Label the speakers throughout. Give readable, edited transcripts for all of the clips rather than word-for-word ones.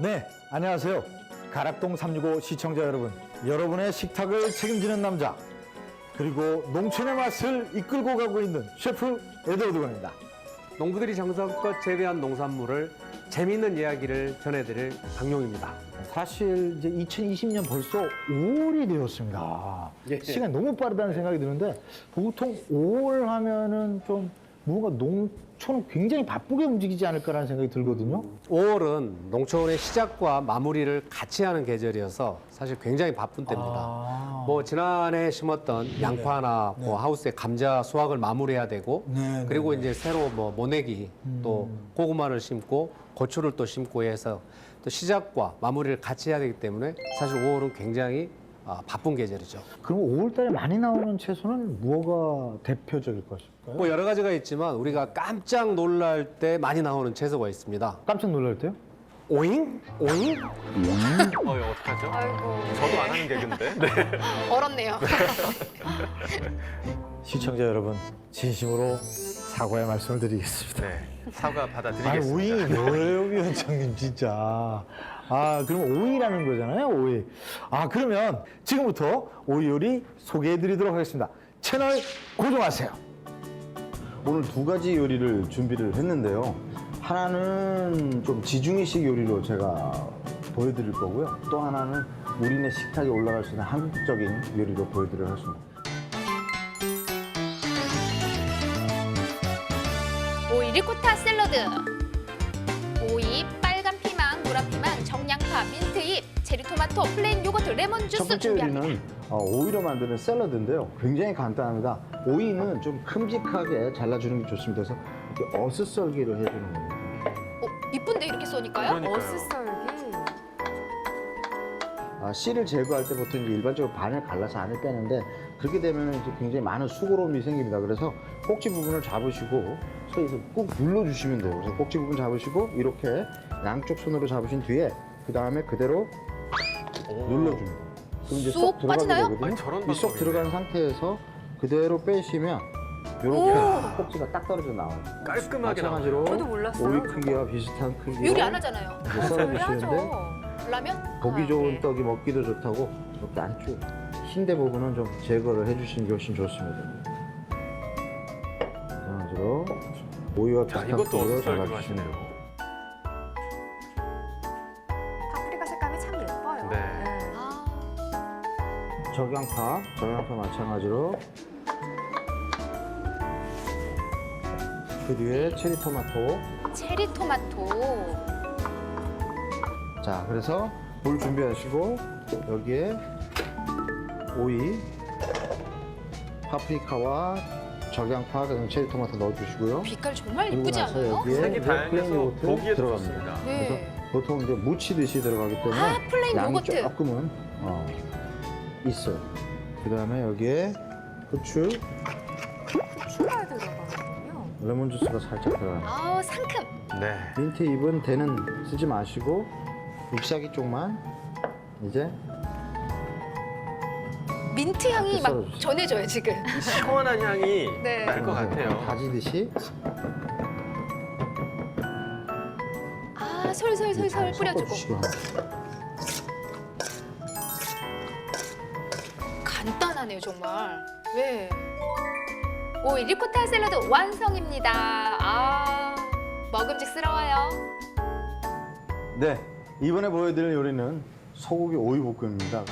Speaker 1: 네, 안녕하세요. 가락동 365 시청자 여러분. 여러분의 식탁을 책임지는 남자, 그리고 농촌의 맛을 이끌고 가고 있는 셰프 에드워드건입니다.
Speaker 2: 농부들이 정성껏 재배한 농산물을 재미있는 이야기를 전해드릴 박용입니다.
Speaker 1: 사실 이제 2020년 벌써 5월이 되었습니다.
Speaker 2: 예.
Speaker 1: 시간이 너무 빠르다는 생각이 드는데, 보통 5월 하면은 좀 뭔가 농촌은 굉장히 바쁘게 움직이지 않을까라는 생각이 들거든요.
Speaker 2: 5월은 농촌의 시작과 마무리를 같이 하는 계절이어서 사실 굉장히 바쁜 때입니다. 뭐 지난해 심었던 양파나 뭐 하우스에 감자 수확을 마무리해야 되고,
Speaker 1: 네,
Speaker 2: 그리고
Speaker 1: 네,
Speaker 2: 이제 새로 뭐 모내기 또 고구마를 심고 고추를 또 심고 해서 또 시작과 마무리를 같이 해야 되기 때문에 사실 5월은 굉장히 바쁜 계절이죠.
Speaker 1: 그럼 5월 달에 많이 나오는 채소는 뭐가 대표적일 것일까요?
Speaker 2: 뭐 여러 가지가 있지만 우리가 깜짝 놀랄 때 많이 나오는 채소가 있습니다.
Speaker 1: 깜짝 놀랄 때요?
Speaker 2: 오잉? 오잉?
Speaker 3: 이거 어떡하죠?
Speaker 4: 아이고.
Speaker 3: 저도 안 하는 개그인데. 네.
Speaker 4: 얼었네요.
Speaker 1: 시청자 여러분, 진심으로 사과의 말씀을 드리겠습니다.
Speaker 3: 네. 사과
Speaker 1: 아니,
Speaker 3: 받아드리겠습니다.
Speaker 1: 오이 뭐예요, 위원장님, 진짜. 그럼 오이라는 거잖아요, 오이. 그러면 지금부터 오이 요리 소개해 드리도록 하겠습니다. 채널 고정하세요.
Speaker 5: 오늘 두 가지 요리를 준비를 했는데요. 하나는 좀 지중해식 요리로 제가 보여드릴 거고요. 또 하나는 우리네 식탁에 올라갈 수 있는 한국적인 요리로 보여드리도록 하겠습니다.
Speaker 4: 오이 리코타 샐러드. 오이, 빨간 피망, 노란 피망, 정양파, 민트잎, 체리토마토, 플레인 요거트, 레몬
Speaker 5: 첫
Speaker 4: 주스
Speaker 5: 번째
Speaker 4: 준비합니다.
Speaker 5: 요리는 오이로 만드는 샐러드인데요. 굉장히 간단합니다. 오이는 좀 큼직하게 잘라주는 게 좋습니다. 그래서 이렇게 어슷썰기를 해주는 겁니다.
Speaker 4: 이쁜데 이렇게 쏘니까요?
Speaker 3: 그러니까요.
Speaker 4: 어슷썰기.
Speaker 5: 씨를 제거할 때 보통 이제 일반적으로 반을 갈라서 안을 빼는데, 그렇게 되면 이제 굉장히 많은 수고로움이 생깁니다. 그래서 꼭지 부분을 잡으시고 손에서 꾹 눌러주시면 돼요. 그래서 꼭지 부분 잡으시고 이렇게 양쪽 손으로 잡으신 뒤에 그 다음에 그대로 눌러줍니다. 그럼 이제
Speaker 4: 쏙
Speaker 5: 쏙 들어가게
Speaker 4: 빠지나요?
Speaker 5: 되거든요.
Speaker 3: 아니, 저런
Speaker 5: 이 쏙
Speaker 3: 방법이네.
Speaker 5: 들어간 상태에서 그대로 빼시면 이렇게 꼭지가 딱 떨어져 나와요.
Speaker 3: 깔끔하게
Speaker 5: 마찬가지로
Speaker 4: 저도 몰랐어요.
Speaker 5: 오이 크기와 비슷한 크기로
Speaker 4: 요리 안 하잖아요.
Speaker 5: 이제 썰어주시는데,
Speaker 4: 라면?
Speaker 5: 보기 좋은
Speaker 4: 네.
Speaker 5: 떡이 먹기도 좋다고 이렇게 안쪽 흰대 부분은 좀 제거를 해주시는 게 훨씬 좋습니다. 마찬가지로 오이와
Speaker 3: 자,
Speaker 5: 비슷한
Speaker 3: 이것도
Speaker 5: 크기로
Speaker 3: 어슷썰기로
Speaker 5: 잘라주시면
Speaker 3: 하시네요.
Speaker 5: 돼요.
Speaker 6: 파프리카 색감이 참 예뻐요.
Speaker 3: 네.
Speaker 4: 아,
Speaker 5: 정양파 마찬가지로 그 뒤에 체리토마토.
Speaker 4: 체리토마토.
Speaker 5: 자, 그래서 물 준비하시고 여기에 오이, 파프리카와 적양파, 그다음 체리토마토 넣어주시고요.
Speaker 4: 빛깔 정말
Speaker 5: 그리고
Speaker 4: 이쁘지
Speaker 5: 나서
Speaker 4: 않아요?
Speaker 5: 여기에
Speaker 3: 색이
Speaker 5: 이제
Speaker 3: 다양해서
Speaker 5: 플레인 요거트
Speaker 3: 보기에도
Speaker 5: 들어갑니다.
Speaker 3: 좋습니다.
Speaker 4: 네.
Speaker 5: 그래서 보통 이제 무치듯이 들어가기 때문에
Speaker 4: 플레인
Speaker 5: 양이
Speaker 4: 요거트.
Speaker 5: 조금은 있어요. 그다음에 여기에 후추,
Speaker 6: 추가에 들어가거든요.
Speaker 5: 레몬 주스가 살짝 들어가요.
Speaker 4: 상큼.
Speaker 3: 네.
Speaker 5: 민트 잎은 대는 쓰지 마시고 잎사귀 쪽만 이제
Speaker 4: 민트 향이 막
Speaker 5: 썰어주세요.
Speaker 4: 전해져요, 지금.
Speaker 3: 시원한 향이
Speaker 4: 네.
Speaker 3: 날 것 같아요.
Speaker 5: 다지듯이
Speaker 4: 솔솔솔솔
Speaker 5: 잘
Speaker 4: 뿌려주고.
Speaker 5: 섞어주시고
Speaker 4: 간단하네요, 정말. 네. 오이 리코타 샐러드 완성입니다. 먹음직스러워요.
Speaker 5: 네, 이번에 보여드릴 요리는 소고기 오이 볶음입니다.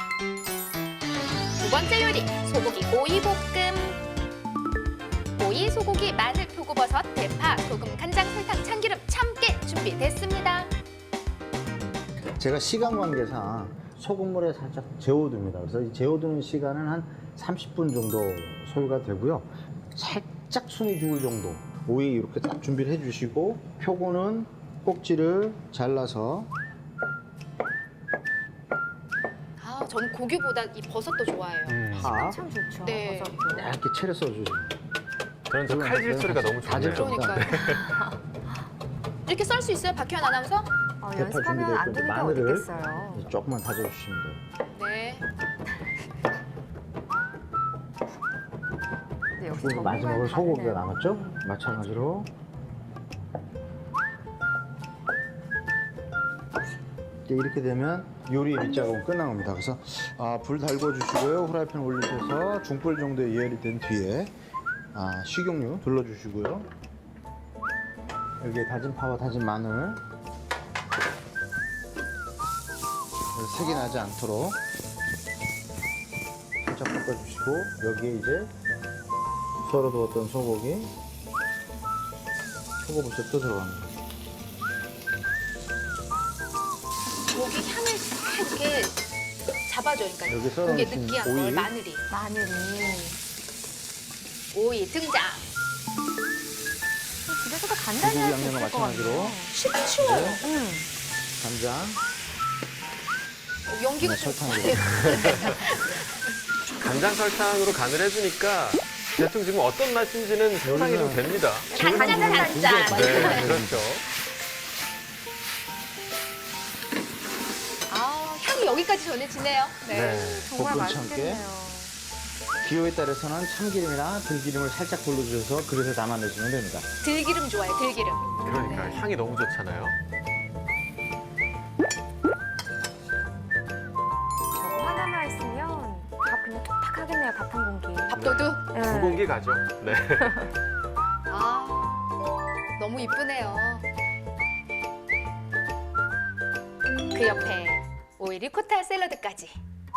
Speaker 4: 두 번째 요리, 소고기 오이 볶음. 오이, 소고기, 마늘, 표고버섯, 대파, 소금, 간장, 설탕, 참기름, 참깨 준비됐습니다.
Speaker 5: 제가 시간 관계상 소금물에 살짝 재워둡니다. 그래서 이 재워두는 시간은 한 30분 정도 소요가 되고요. 살짝 숨이 죽을 정도 오이 이렇게 딱 준비를 해주시고, 표고는 꼭지를 잘라서
Speaker 4: 저는 고기보다 이 버섯도 좋아해요.
Speaker 5: 파
Speaker 6: 참 좋죠.
Speaker 4: 네.
Speaker 6: 버섯도.
Speaker 5: 얇게 채려 써주시면
Speaker 3: 저는 저 칼질 소리가 너무
Speaker 5: 다질
Speaker 3: 좋네요.
Speaker 5: 겁니다.
Speaker 4: 그러니까요. 이렇게 썰 수 있어요, 박현 아나운서?
Speaker 5: 대파
Speaker 6: 연습하면 안
Speaker 5: 준비되어
Speaker 6: 되는 게
Speaker 5: 마늘을
Speaker 6: 어디겠어요.
Speaker 5: 조금만 다져주시면 돼요.
Speaker 4: 네.
Speaker 6: 근데 역시
Speaker 5: 그리고 마지막으로
Speaker 6: 전문가는
Speaker 5: 소고기가
Speaker 6: 다르네요.
Speaker 5: 남았죠? 마찬가지로 이제 이렇게 되면 요리의 밑작업은 끝난 겁니다. 그래서 불 달궈 주시고요. 후라이팬 올리셔서 중불 정도에 예열이 된 뒤에 식용유 둘러주시고요. 여기에 다진 파와 다진 마늘 색이 나지 않도록 살짝 볶아주시고 여기에 이제 썰어 두었던 소고기 초고부터 들어갑니다.
Speaker 4: 고기 향을 싹 이렇게 잡아줘요. 그러니까
Speaker 5: 여기 썰어
Speaker 4: 고기에
Speaker 5: 놓으신
Speaker 4: 느끼한
Speaker 5: 오이.
Speaker 4: 걸 마늘이.
Speaker 6: 마늘이.
Speaker 4: 오이 등장.
Speaker 6: 집에서도 간단히
Speaker 5: 고기
Speaker 6: 할수
Speaker 5: 양념과
Speaker 6: 있을 것
Speaker 5: 마찬가지로.
Speaker 6: 같아요.
Speaker 4: 쉽죠.
Speaker 5: 간장,
Speaker 4: 연기가
Speaker 5: 네,
Speaker 4: 좀
Speaker 5: 설탕으로.
Speaker 3: 간장 설탕으로 간을 해주니까 대충 지금 어떤 맛인지는 상상이 좀 됩니다.
Speaker 4: 간장 간장.
Speaker 3: 네, 그렇죠.
Speaker 4: 아 향이 여기까지 전해지네요. 네.
Speaker 6: 정말
Speaker 5: 볶음 참깨.
Speaker 6: 맛있겠네요.
Speaker 5: 기호에 따라서는 참기름이나 들기름을 살짝 불러주셔서 그릇에 담아내시면 됩니다.
Speaker 4: 들기름 좋아요. 들기름.
Speaker 3: 그러니까 향이 너무 좋잖아요.
Speaker 6: 저거 하나만 있으면 밥 그냥 뚝딱 하겠네요. 밥 한 공기.
Speaker 4: 밥도둑.
Speaker 6: 네.
Speaker 3: 두 공기 가죠. 네.
Speaker 4: 아 너무 이쁘네요. 그 옆에 오이 리코타 샐러드까지.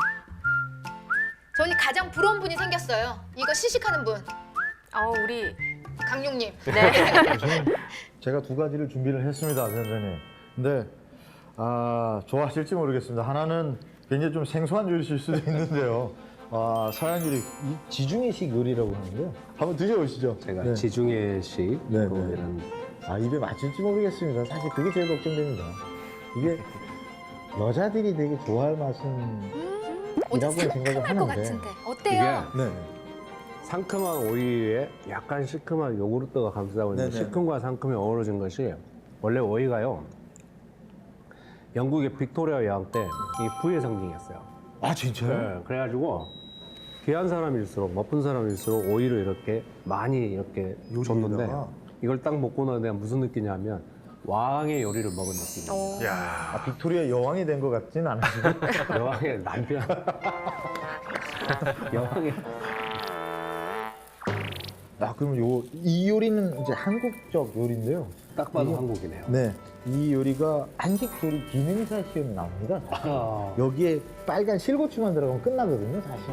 Speaker 4: 저는 가장 부러운 분이 생겼어요. 이거 시식하는 분,
Speaker 6: 우리
Speaker 4: 강용님.
Speaker 1: 제가 두 가지를 준비를 했습니다, 선생님. 근데 좋아하실지 모르겠습니다. 하나는 굉장히 좀 생소한 요리실 수도 있는데요. 서양 요리, 이 지중해식 요리라고 하는데요. 한번 드셔보시죠.
Speaker 2: 제가
Speaker 1: 네.
Speaker 2: 지중해식
Speaker 1: 네,
Speaker 2: 이런
Speaker 1: 입에 맞을지 모르겠습니다. 사실 그게 제일 걱정됩니다. 이게 여자들이 되게 좋아할 맛은
Speaker 4: 어제
Speaker 1: 이라고 생각을
Speaker 4: 상큼할 것
Speaker 1: 하는데.
Speaker 4: 같은데 어때요?
Speaker 1: 네.
Speaker 2: 상큼한 오이에 약간 시큼한 요구르트가 감싸고 있는
Speaker 1: 네네.
Speaker 2: 시큼과 상큼이 어우러진 것이 원래 오이가요. 영국의 빅토리아 여왕 때 이 부의 상징이었어요.
Speaker 1: 진짜요?
Speaker 2: 네, 그래가지고 귀한 사람일수록 멋쁜 사람일수록 오이를 이렇게 많이 이렇게 줬는데 이걸 딱 먹고 나서 내가 무슨 느끼냐면 왕의 요리를 먹은 느낌이에요.
Speaker 3: 야,
Speaker 1: 빅토리아 여왕이 된 것 같진 않으시고.
Speaker 2: 여왕의 남편. 여왕의
Speaker 1: 그럼 이 요리는 이제 한국적 요리인데요.
Speaker 2: 딱 봐도
Speaker 1: 이게-
Speaker 2: 한국이네요.
Speaker 1: 네. 이 요리가 한식 조리 기능사 시험에 나옵니다. 여기에 빨간 실고추만 들어가면 끝나거든요, 사실.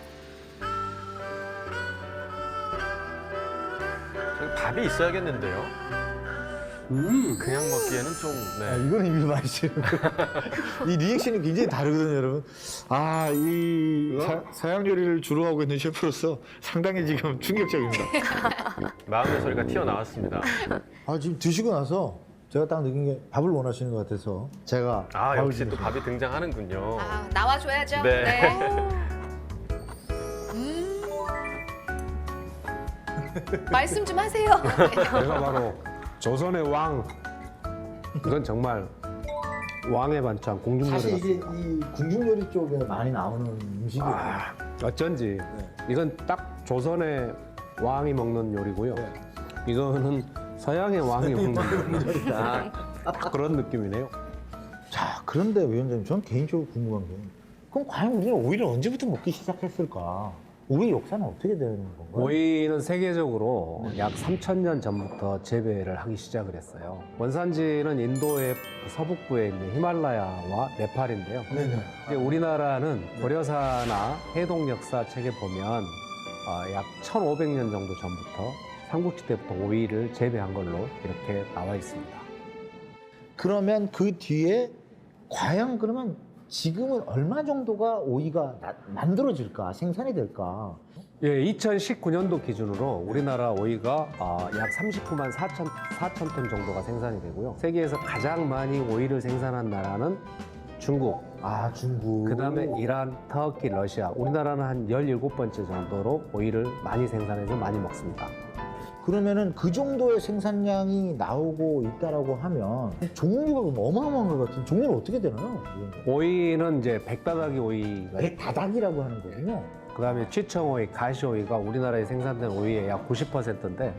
Speaker 3: 저기 밥이 있어야겠는데요. 그냥 먹기에는 좀. 네.
Speaker 1: 이거는 입이 많이 싫은 이 리액션이 굉장히 다르거든요, 여러분. 이 서양 요리를 주로 하고 있는 셰프로서 상당히 지금 충격적입니다.
Speaker 3: 마음의 소리가 튀어나왔습니다.
Speaker 1: 지금 드시고 나서 제가 딱 느낀 게 밥을 원하시는 것 같아서 제가 밥을
Speaker 3: 역시 또
Speaker 1: 드리겠습니다.
Speaker 3: 밥이 등장하는군요.
Speaker 4: 나와줘야죠.
Speaker 3: 네.
Speaker 4: 말씀 좀 하세요.
Speaker 2: 내가 바로 조선의 왕. 이건 정말 왕의 반찬, 공중요리
Speaker 1: 사실 이게
Speaker 2: 같습니다.
Speaker 1: 이 궁중요리 쪽에 많이 나오는 음식이에요.
Speaker 2: 어쩐지 이건 딱 조선의 왕이 먹는 요리고요. 이거는 서양의 왕이 먹는 요리다. 딱 그런 느낌이네요.
Speaker 1: 자, 그런데 위원장님, 저는 개인적으로 궁금한 게, 그럼 과연 우리는 오이를 언제부터 먹기 시작했을까? 오이 역사는 어떻게 되는 건가요?
Speaker 2: 오이는 세계적으로 약 3,000년 전부터 재배를 하기 시작을 했어요. 원산지는 인도의 서북부에 있는 히말라야와 네팔인데요.
Speaker 1: 네네.
Speaker 2: 이제 우리나라는 고려사나 해동 역사 책에 보면 약 1,500년 정도 전부터 삼국지 때부터 오이를 재배한 걸로 이렇게 나와 있습니다.
Speaker 1: 그러면 그 뒤에 과연 그러면 지금은 얼마 정도가 오이가 만들어질까, 생산이 될까?
Speaker 2: 예, 2019년도 기준으로 우리나라 오이가 약 39만 4천 톤 정도가 생산이 되고요. 세계에서 가장 많이 오이를 생산한 나라는 중국,
Speaker 1: 중국.
Speaker 2: 그다음에 이란, 터키, 러시아. 우리나라는 한 17번째 정도로 오이를 많이 생산해서 많이 먹습니다.
Speaker 1: 그러면은 그 정도의 생산량이 나오고 있다라고 하면 종류가 그럼 어마어마한 것 같은 종류는 어떻게 되나요?
Speaker 2: 오이는 이제 백다다기 오이가
Speaker 1: 백다닥이라고 하는 거군요.
Speaker 2: 그다음에 취청오이, 가시오이가 우리나라에 생산된 오이의 약 90%인데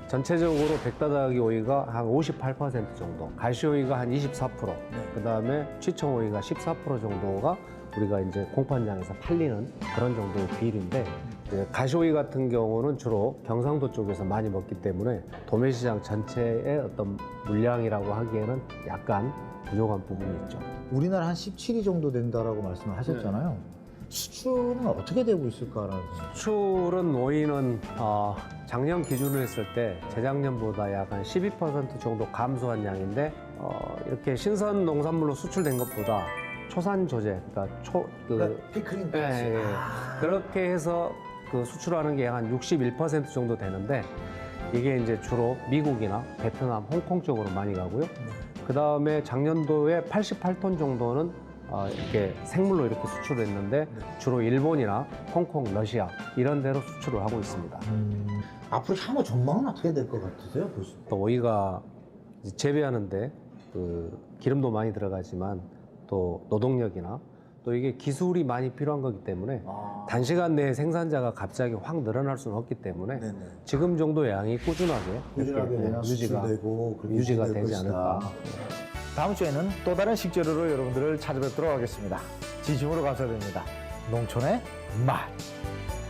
Speaker 2: 전체적으로 백다다기 오이가 한 58% 정도, 가시오이가 한 24%, 그다음에 취청오이가 14% 정도가 우리가 이제 공판장에서 팔리는 그런 정도의 비율인데, 이제 가시오이 같은 경우는 주로 경상도 쪽에서 많이 먹기 때문에 도매시장 전체의 어떤 물량이라고 하기에는 약간 부족한 부분이 있죠.
Speaker 1: 우리나라 한 17위 정도 된다라고 말씀을 하셨잖아요. 수출은 어떻게 되고 있을까라는 생각.
Speaker 2: 수출은 오이는 작년 기준으로 했을 때 재작년보다 약 한 12% 정도 감소한 양인데, 이렇게 신선 농산물로 수출된 것보다 초산 조제, 그러니까
Speaker 1: 피크링
Speaker 2: 그렇게 해서 그 수출하는 게 한 61% 정도 되는데, 이게 이제 주로 미국이나 베트남, 홍콩 쪽으로 많이 가고요. 그 다음에 작년도에 88톤 정도는 이렇게 생물로 이렇게 수출을 했는데, 주로 일본이나 홍콩, 러시아 이런 데로 수출을 하고 있습니다.
Speaker 1: 앞으로 향후 전망은 어떻게 될 것 같으세요, 교수님?
Speaker 2: 또 오이가 이제 재배하는데 그 기름도 많이 들어가지만 또 노동력이나 또 이게 기술이 많이 필요한 거기 때문에 단시간 내에 생산자가 갑자기 확 늘어날 수는 없기 때문에 지금 정도 양이 꾸준하게 이렇게 유지가 되지 않을까.
Speaker 1: 다음 주에는 또 다른 식재료로 여러분들을 찾아뵙도록 하겠습니다. 진심으로 감사드립니다. 농촌의 맛.